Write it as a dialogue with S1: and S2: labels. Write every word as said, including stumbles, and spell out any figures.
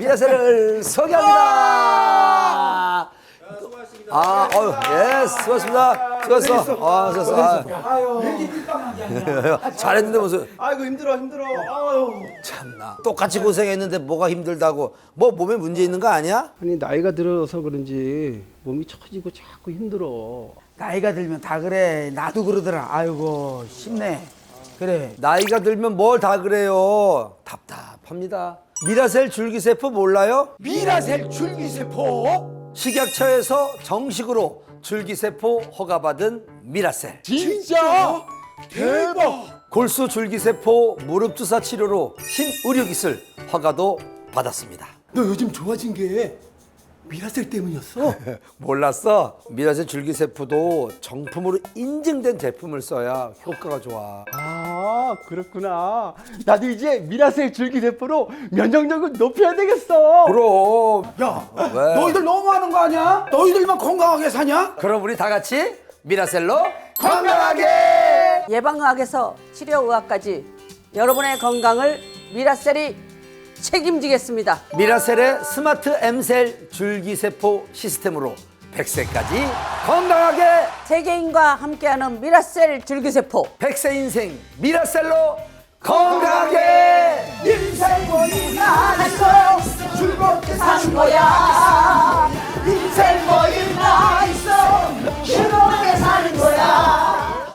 S1: 미라셀을 소개합니다. 아, 어유, 예, 수고하셨습니다. 수고했어. 아, 수고했어. 아,
S2: 아유, 왜 이렇게 삐까하게 하냐.
S1: 잘했는데 무슨.
S2: 아이고 힘들어 힘들어. 아유.
S1: 참나. 똑같이 고생했는데 뭐가 힘들다고. 뭐 몸에 문제 있는 거 아니야?
S3: 아니 나이가 들어서 그런지 몸이 처지고 자꾸 힘들어.
S2: 나이가 들면 다 그래. 나도 그러더라. 아이고 힘내. 그래.
S1: 나이가 들면 뭘 다 그래요. 답답합니다. 미라셀 줄기세포 몰라요?
S2: 미라셀 줄기세포?
S1: 식약처에서 정식으로 줄기세포 허가받은 미라셀.
S2: 진짜? 대박.
S1: 골수 줄기세포 무릎 주사 치료로 신의료기술 허가도 받았습니다.
S4: 너 요즘 좋아진 게 미라셀 때문이었어?
S1: 몰랐어? 미라셀 줄기세포도 정품으로 인증된 제품을 써야 효과가 좋아.
S4: 아 그렇구나. 나도 이제 미라셀 줄기세포로 면역력을 높여야 되겠어.
S1: 그럼.
S2: 야,
S1: 왜?
S2: 너희들 너무하는 거 아니야? 너희들만 건강하게 사냐?
S1: 그럼 우리 다 같이 미라셀로 건강하게!
S5: 예방의학에서 치료의학까지 여러분의 건강을 미라셀이 책임지겠습니다.
S1: 미라셀의 스마트 M셀 줄기세포 시스템으로 백 세까지 건강하게!
S5: 세계인과 함께하는 미라셀 줄기세포.
S1: 백 세 인생 미라셀로 건강하게!
S2: 인생 보니가 하고 즐겁게 사는 거야.